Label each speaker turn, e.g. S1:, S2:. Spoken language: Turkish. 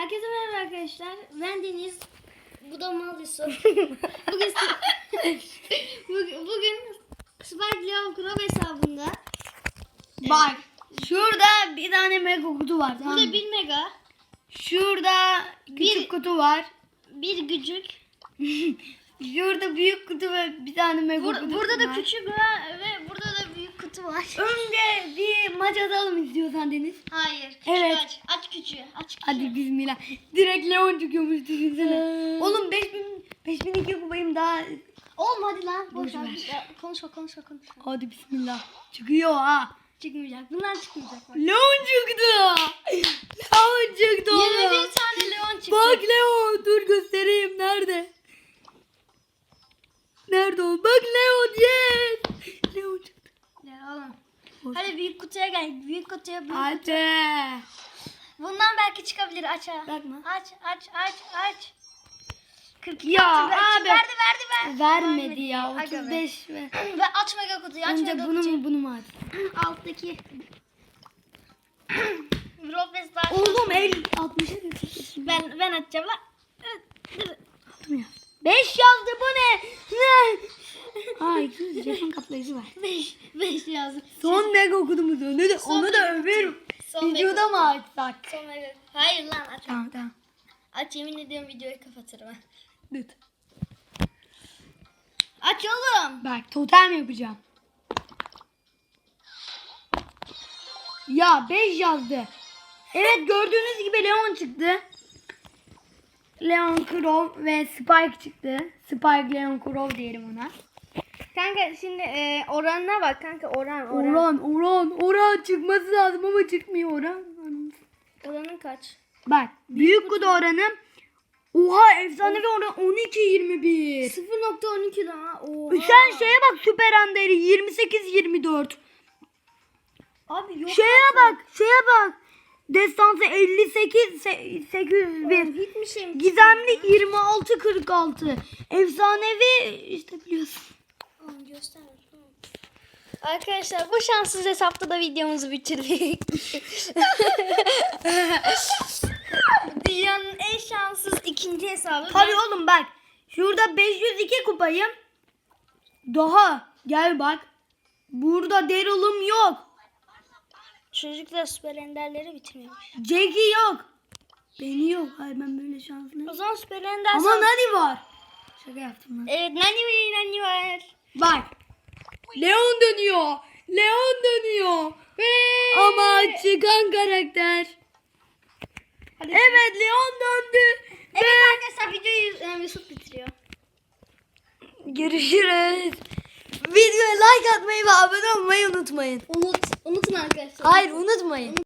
S1: Herkese merhaba arkadaşlar. Ben Deniz. Bu da Mal Yusuf. bugün Spike Leo Club hesabında.
S2: Bak şurada bir tane mega kutu var. Tamam
S1: Burada
S2: mı?
S1: 1 mega,
S2: Şurada küçük kutu var.
S1: bir gücük.
S2: Şurada büyük kutu ve bir tane mega kutu
S1: Burada
S2: var.
S1: da küçük var ve burada da büyük kutu var.
S2: Önce bir maç atalım istiyorsan Deniz.
S1: Hayır. Küçüğü
S2: Evet.
S1: aç. Aç küçüğü. Aç küçüğü.
S2: Hadi bismillah. Direkt Leon çıkıyormuş düşünsene. Oğlum 5002 kupayım daha.
S1: Oğlum hadi lan. Boş
S2: Boş
S1: ver.
S2: ver.
S1: Ya, konuşma.
S2: Hadi bismillah. Çıkıyor ha.
S1: Çıkmayacak. Bunlar çıkmayacak. Bak.
S2: Leon çıktı. Leon çıktı oğlum.
S1: 21 tane Leon çıktı.
S2: Bak Leon, dur göstereyim nerede? Nerede o? Bak Leon, yes. Leon çıktı.
S1: Ya oğlum. Hadi büyük kutuya gel. Büyük kutuya büyük.
S2: Hadi.
S1: Bundan belki çıkabilir. Aç ha.
S2: Bakma.
S1: Aç. 42
S2: Ya
S1: altı
S2: abi.
S1: verdi.
S2: Vermedi ya.
S1: Aga be.
S2: 35 ver.
S1: Ve aç mega kutuyu. Aç
S2: Önce
S1: mega
S2: bunu
S1: kutuyu.
S2: mu bunu mu aç?
S1: Alttaki. Robes daha.
S2: Oğlum 60'a götürsün.
S1: Ben açacağım lan.
S2: Attım ya. 5 yazdı bu ne? Ne? Aa 200 jeton kaplayıcı var.
S1: 5 yazdım.
S2: Son mega okudumuz onu da överim.
S1: Son
S2: Videoda mı açsak?
S1: Son mega. Hayır lan aç.
S2: Tamam.
S1: Aç, yemin ediyorum videoyu kapatırım ha.
S2: Dur.
S1: Aç oğlum.
S2: Bak totem yapacağım. Ya 5 yazdı. Evet gördüğünüz gibi Leon çıktı. Leon Crow ve Spike çıktı. Spike Leon Crow diyelim ona.
S1: Kanka şimdi oranına bak kanka oran.
S2: Oran çıkması lazım ama çıkmıyor oran.
S1: Oranın kaç?
S2: Bak büyük kutu oranı. Oha efsanevi oran 12-21.
S1: 0.12 daha. Oha.
S2: Sen şeye bak Süper Ander'i 28-24.
S1: Abi yok.
S2: Şeye bak. Destansı 58-801.
S1: Hiç mi şey mi?
S2: Gizemli 26-46. Efsanevi işte biliyorsun.
S1: Göster. Arkadaşlar bu şanssız hesapta da videomuzu bitirdik. Dünyanın en şanssız ikinci hesabı.
S2: Tabii oğlum bak. Şurada 502 kupayım. Daha gel bak. Burada Daryl'ım yok.
S1: Çocuklar süper enderleri bitirmemiş.
S2: Jackie yok. Beni yok. Hayır ben böyle şanslıyım.
S1: O zaman süper ender
S2: Ama Nani var. Şaka yaptım lan.
S1: Evet Nani var.
S2: Bak. Leon dönüyor. Ama çıkan karakter.
S1: Hadi.
S2: Evet Leon döndü.
S1: Evet arkadaşlar videoyu Yusuf bitiriyor.
S2: Görüşürüz. Videoya like atmayı ve abone olmayı unutmayın.
S1: Unutun arkadaşlar.
S2: Hayır unutmayın.